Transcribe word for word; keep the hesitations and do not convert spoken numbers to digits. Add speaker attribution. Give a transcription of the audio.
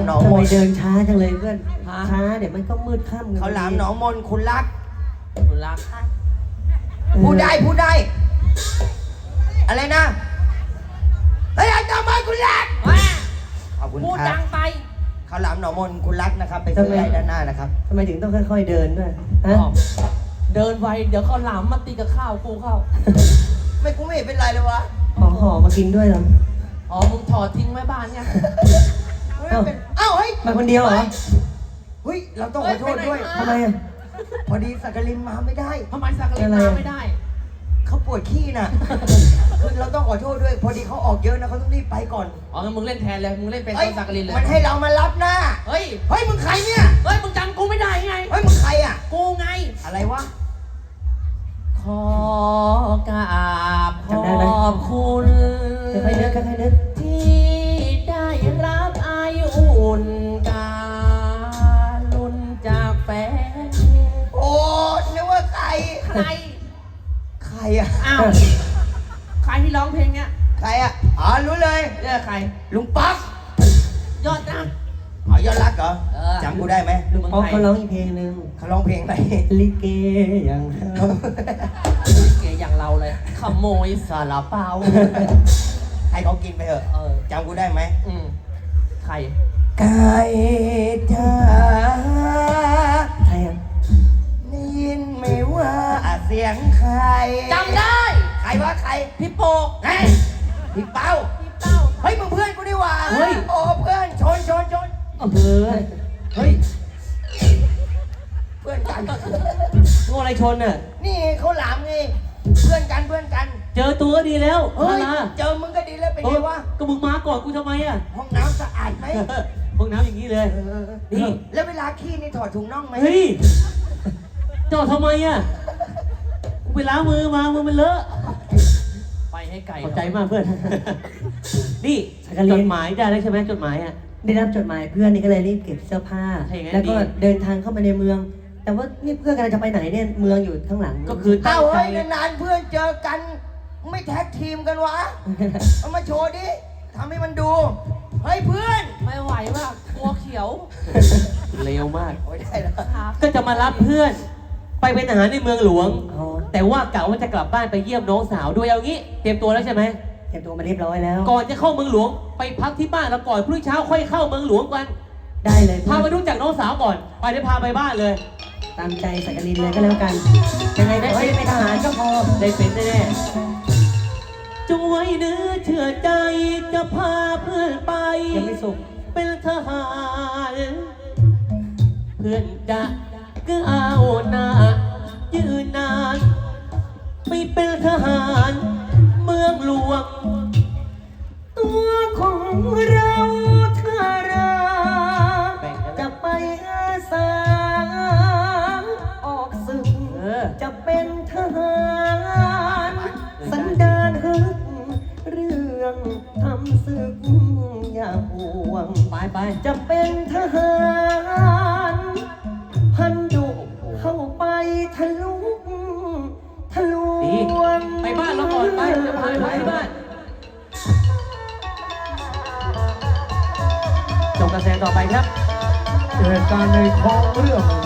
Speaker 1: หนองม
Speaker 2: ทำไม
Speaker 1: น
Speaker 2: เดินช้าจังเลยเพื่อนช้าเดี๋ยวมันก็มืดค่ำ
Speaker 1: เขาหลามหนองมนคุณรัก
Speaker 3: คุณรัก
Speaker 1: พูดได้พูดได้ อะไรนะเฮ้ยจำไว้คุณรัก
Speaker 3: ว่า
Speaker 1: ขอบคุณ
Speaker 3: พูด
Speaker 1: ค
Speaker 3: ดั
Speaker 1: รับ
Speaker 3: งไป
Speaker 1: เขาหลามหนองมนคุณรักนะครับ ไปซื้อได้ด้านหน้านะครับ
Speaker 2: ทำไมถึงต้องค่อยๆเดินด้วยฮะ
Speaker 3: อ๋อเดินไวเดี๋ยวเขาหลามมาตีกับข้าวกูเข้า
Speaker 1: ไม่กูไม่เห็นเป็นไรเลยวะ
Speaker 2: ของห่อมากินด้วยเหรอ
Speaker 3: อ๋อมึงถอดทิ้งไว้บ้านเนี่ย
Speaker 1: ไม่เป็นเอ้าเฮ้ย
Speaker 2: มาคนเดียวเหรอ
Speaker 1: เฮ้ยเราต้องขอโทษด้วย
Speaker 2: ทำไมอ่ะ
Speaker 1: พอดีสักกลินมาไม่ได้
Speaker 3: ทำไมสักกะลินมาไม่ได้
Speaker 1: เขาปวดขี้น่ะ คือเราต้องขอโทษด้วย พอดีเขาออกเยอะนะเขาต้องรีบไปก่อน
Speaker 3: อ๋องั้นมึงเล่นแทนเลย มึงเล่นเป็น
Speaker 1: เอ้ย
Speaker 3: สักกะลินเลย
Speaker 1: มันให้เรามารับหน้า
Speaker 3: เฮ้ย
Speaker 1: เฮ้ยมึงใครเนี่ย
Speaker 3: เฮ้ย มึงจำกูไม่ได้ไง
Speaker 1: เฮ้ยมึงใครอ่ะ
Speaker 3: กูไง
Speaker 1: อะไรวะ
Speaker 3: ขอกราบขอบคุณ
Speaker 2: ค่อยๆนึกค่อยๆนึก
Speaker 3: ที่ได้รับอายุอุ่นการุนจากแฟน
Speaker 1: โอ้นึกว่าใคร
Speaker 3: ใคร
Speaker 1: ใครอ่ะ
Speaker 3: อ้าว ใครที่ร้องเพลงเนี้ย
Speaker 1: ใครอ่ะ อ๋อรู้เลย
Speaker 3: เรียกใคร
Speaker 1: ลุงป๊อก
Speaker 3: ยอดนะ
Speaker 1: อ๋อยอดรักเหรอ
Speaker 3: เออ
Speaker 1: จำกูได้ไหม
Speaker 3: ลุงเมือง
Speaker 2: อ๋อ
Speaker 3: ไทย
Speaker 2: เขาร้องอีกเพลงหนึ่ง
Speaker 1: เขาร้องเพลงอะไร
Speaker 2: ลิเกอย่างเรา
Speaker 3: เกย์อย่างเราเลยขโมยสาลาเปา
Speaker 1: ให้เขากินไปเถอะ
Speaker 3: เออ
Speaker 1: จำกูได้ไหม
Speaker 3: อืมใคร
Speaker 1: ไก่จ้า
Speaker 2: ใครอ่ะ
Speaker 1: ได้ยินไหมว่าเสียงใคร
Speaker 3: จำได้
Speaker 1: ใครวะใคร
Speaker 3: พี่โปก
Speaker 1: ไงพี่เป้า
Speaker 3: พี่เป้า
Speaker 1: เฮ้ยมึงเพื่อนกูนี่หว่า
Speaker 3: เฮ้ย
Speaker 1: โอ้เพื่อนชนชนชน
Speaker 2: อำเภอ
Speaker 1: เฮ้ยเพื่อนกัน
Speaker 2: งูอะไรชนอ่ะ
Speaker 1: นี่เขาหลามไงเพื่อนกันเพื่อนกัน
Speaker 2: เจอตัวก็ดีแล้ว
Speaker 1: เฮ้ย
Speaker 2: นารา
Speaker 1: เจอมึงก็ดีแล้วเป็น
Speaker 2: เอ
Speaker 1: ไง
Speaker 2: อ
Speaker 1: วะ
Speaker 2: ก็มึงมาก่อนกูทำไมอ่ะ
Speaker 1: ห้องน้ำสะอาดไหม
Speaker 2: ห้องน้ำอย่างนี้เลย
Speaker 1: เออ
Speaker 2: นี่
Speaker 1: แล้วเวลาขี้นี่ถอดถุงน่องไหม
Speaker 2: เฮ้ยจอดทำไมอ่ะกูไปล้างมือมามือมันเลอะ
Speaker 3: ไปให้ไก่
Speaker 2: ขอบใจมากเพื่อน นี่จดหมายได้แล้วใช่ไหมจดหมายอ่ะ ได้รับจดหมายเพื่อนนี่ก็เลยรีบเก็บเสื้อผ้า
Speaker 3: ถ้าอย่างนั้น
Speaker 2: แล้วก็
Speaker 3: ดี
Speaker 2: เดินทางเข้ามาในเมือง แต่ว่านี่เพื่อนกำลังจะไปไหนเนี่ย เมืองอยู่ข้างหลัง
Speaker 3: ก็คือตั้
Speaker 1: เอ้าง
Speaker 3: ใจ
Speaker 1: เฮ้ยนานๆเพื่อนเจอกัน ไม่แท็กทีมกันวะ เอามาโชว์ดิทำให้มันดู เฮ้ยเพื่อน
Speaker 3: ไม่ไหวว่ะตัวเขียว
Speaker 2: เร็วมาก
Speaker 1: โอ้ยได้แล้ว
Speaker 3: ครับ
Speaker 2: ก็จะมารับเพื่อน ไปเป็นทหารในเมืองหลวง แต่ว่ากะว่าจะกลับบ้านไปเยี่ยมน้องสาวด้วยเอางี้ เตรียมตัวแล้วใช่ไหมเตรียมตัวมาเรียบร้อยแล้ว ก่อนจะเข้าเมืองหลวง ไปพักที่บ้านแล้วก่อนพรุ่งนี้เช้าค่อยเข้าเมืองหลวงกัน ได้เลย พาไปรู้จักน้องสาวก่อน ไปได้พาไปบ้านเลย ตามใจสักกลินเลยก็แล้วกัน ยังไงได้เป็นทหารก็พอ ได้เป็นแน่ๆจงไว้เนื้อเชื่อใจจะพาเพื่อนไป ยังไม่สุข เป็นทหาร เพื่อนจะก็เอาหน้ายืนนานไปเป็นทหารเมืองหลวง ตัวของเราถ้าราจะไปอาสาออกศึกจะเป็นทหารสันดานฮึกเรื่องทำศึกอย่าห่วงไปไปจะเป็นทหารพันดุเข้าไปทะลุทะลวงไปบ้านเราก่อนไปจะพาไปบ้านจบการแสดงต่อไปครับ
Speaker 4: เหตุการณ์ในท้องเรื่อง